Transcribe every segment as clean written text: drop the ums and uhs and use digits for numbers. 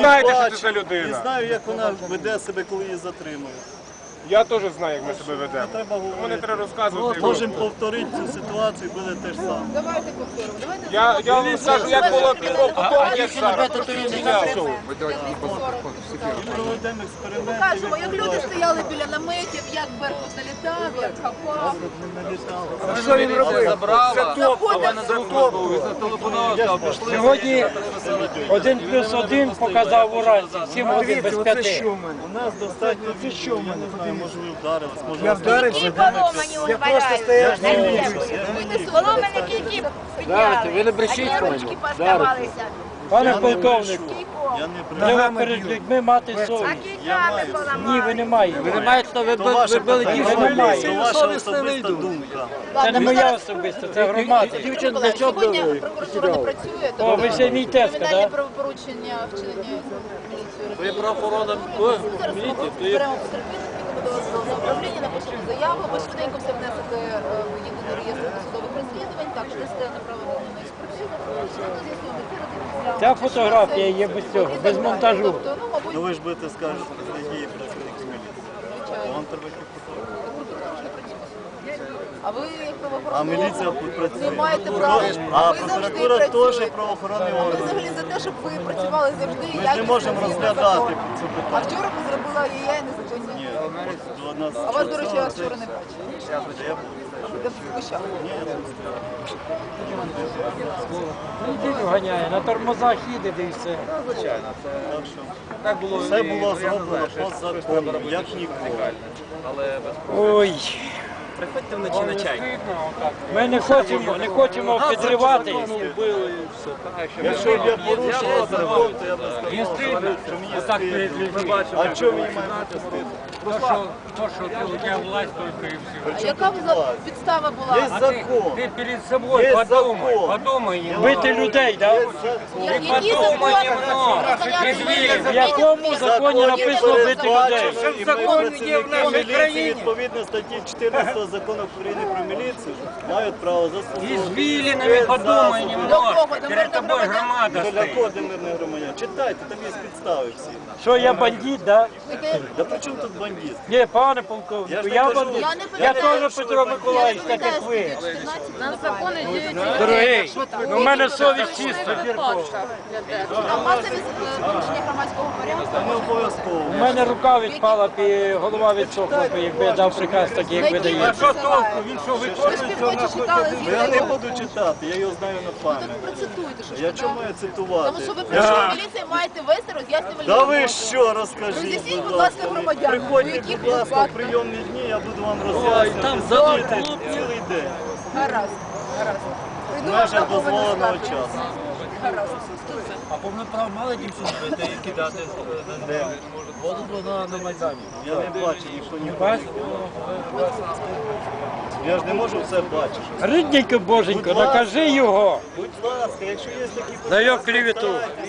знаєте, що це за І людина. знаю, як вона веде себе, коли її затримують. Я теж знаю, як ми себе ведемо. Треба Тому не говорити. треба розказувати. Можемо повторити цю ситуацію, буде те ж саме. Давайте повторимо. Давайте Я вам скажу, як було півроку тому, як зараз. І проведемо експерименти. покажемо, як люди стояли біля наметів, як Беркут налітав, як хапав. Що він робив? Сьогодні 1+1 показав уранці, 7 годин без 5. У нас достатньо що в мене знаю, може ви вдарились, може Я вдарився. Кільки поломані у Поломані кільки підняли. Ви не брешіть, Одні ручки поставалися. Пане полковник, я не при... треба перед людьми мати А совість. кільками поламали. Ні, ви не маєте. Ви не маєте, То ваше питання, ви не маєте. то ваша особиста думка. Це не моя особиста, це громада. Сьогодні прокуратура не працює, О, ви ще мій тезка, кримінальні да? правопорушення вчинення міліцією. Ви правоохорона Зараз ми беремо потерпілих, підемо до управління, напишемо заяву, ви швиденько все внесете в єдиний реєстр досудових розслідувань, також дасте направлення на експертизу. Ця фотографія є без цього, без монтажу. Тобто, ну, мабуть, Ну ви ж будете скажете, що це є працівники міліції. звичайно. Вам треба їх фотографувати. Прокуратура ж не працює. А ви, як правоохоронний А міліція орган, працює. не маєте права. А Ви завжди прокуратура теж працюєте. правоохоронний Ми орган. взагалі за те, щоб ви працювали завжди. Ми ж не можемо розглядати це А питання. вчора ви зробили АЄ незаконні. Ні, от до нас... А вас, до речі, я вчора не бачила. Я був. Ви вищали. Ні, я не Неділю ганяє, на тормозах їде, де і все. Так що все було зроблено по закону, як ніколи. Ой, Приходьте вночі на чай. ми не хочемо підривати. Якщо б я порушував закон, то я б сказав, що мені стидно. А чого мені має бути стидно? А яка б підстава Є була? закон. Ти перед собою Є закон. бити людей, так? Які закони? В якому законі написано бити людей? І ми, працівники міліції, відповідно статті 14 закону України про міліцію, мають право застосовувати. Извилинами подумай До немного. кого? До Перед тобой мирних громадян? громада Для стоит. кого мирних громадян? Читайте, там є підстави всі. Що я бандит, да? Да при чому тут бандит? Ні, пане Я полковнику, ж я не кажу. бандит. Я не Я пам'ятаю, теж Петро Миколаївич, так як ви. Нас закони діють. Дорогий, у мене совість чиста. А масові порушення громадського порядку? Та не обов'язково. У мене рука відпала, голова відсохла, якби я дав приказ такий, як ви даєте. Він що, ви ж півночі читали Я не звідти? буду читати, я його знаю на пам'ять. Процитуйте, що ж Я ви чому там. маю цитувати? Тому що ви прийшли в міліцію, маєте вести роз'яснювальні Да ви роботи. що, розкажіть, Роз'ясніть, будь будь ласка, ласка. громадянам, у Приходьте, яких будь ласка, в випадках. прийомні дні, я буду вам роз'яснювати цілий день. Гаразд, гаразд. В Прийду вам межах на повну дозволеного скаргу. часу. Гаразд. А повноправ мали дівчину кидати Де? воду на Майдані? Я не бачу, ніхто не бачить. Я ж не можу все бачити. Рідненько боженько, накажи його. Будь ласка, якщо є такі За його клевету.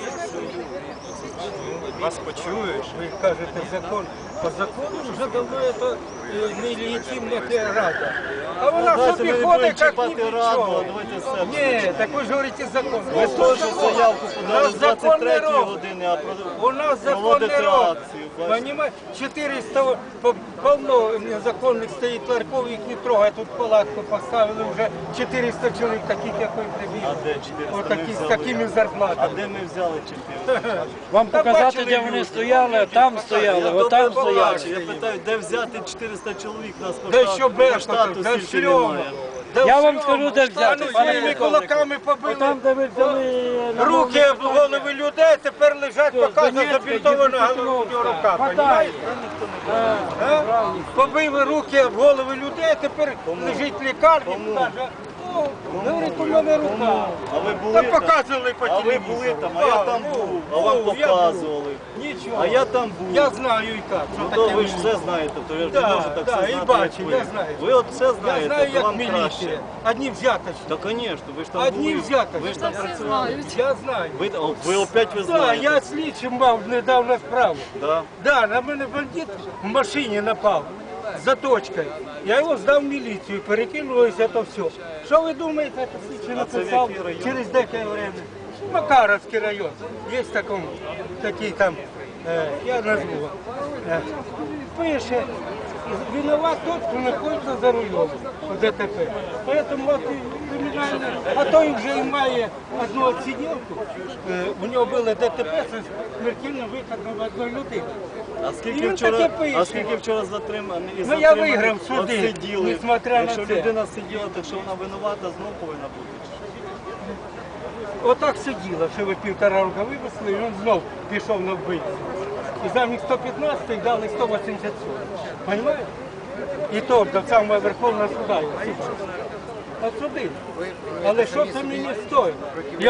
Вас почуєш, ви кажете закон. По закону вже давно це нелегітимна рада. А вона Давайте собі ми не ходить, як будемо ні чіпати до раду, чого. а давайте все. Ні, так ви ж говорите закон. Ви теж заявку подали з закон не 23 робить. години, а У нас закон проводити не робить. акцію. бачите? Понимаете, 400 полно незаконних стоїть ларьков, їх не трогає. Тут палатку поставили вже 400 чоловік, таких, як ви А прибігли. де 400 ми Отакі, з взяли? такими А зарплатами. де ми взяли 400? Вам Та показати, бачили де вони люди. стояли, там стояли, Я отам добре стояли. бачу. Я питаю, де взяти 400 чоловік? Нас по Да штату- що по Беркуту, штату да стільки всьому. немає. Да Я вам всьому. скажу, де взяти, Та ну, пане своїми полковнику. кулаками побили. Там, де ви взяли на Руки об голови людей, тепер лежать, показує Донецька, забінтована Дніпропетровська. рука. Хватай. понімаєте? А? Побили руки об голови людей, тепер лежить в лікарні. Каже, «О, говорить, у мене рука. А ви були Та там? показували по А ви телевізору. були там, а я там був, а вам я показували. Нічого. А я там був. Я знаю і як. Ну що то таке ви ж міліція. все знаєте, то я ж Да, не можу так да, все і знати, бачу, як я ви. знаю. Ви от все Я знаєте, знаю, то як вам міліція. краще. Одні взяточні. Та, звісно, ви ж там Одні були. взяточні. Ви ж там працювали. Я знаю. Ви опять ви Так, знаєте. я слідчим мав недавно справу. Да. Да, на мене бандит в машині напав за точкою. Я його здав в міліцію, перекинулося то все. Що ви думаєте, це слідчий А це в написав який район? через деяке время? Макаровский район. Есть такие там, я назву. Пише, виноват тот, кто находится за рулем в ДТП. Поэтому вот криминально, а то і вже і має одну отсиділку, у нього було ДТП з смертельним виходом одної людини. А скільки вчора затримані? Ну я виграв суди, Сиділи. несмотря на Якщо це. людина сиділа, то що вона винувата, знов повинна бути. Отак сиділо, що ви 1,5 року вивезли, і він знов пішов на вбивство. І замість 115 дали 187. Понимаєте? І то до самого Верховного суда. От суди. Але що це мені стоїть?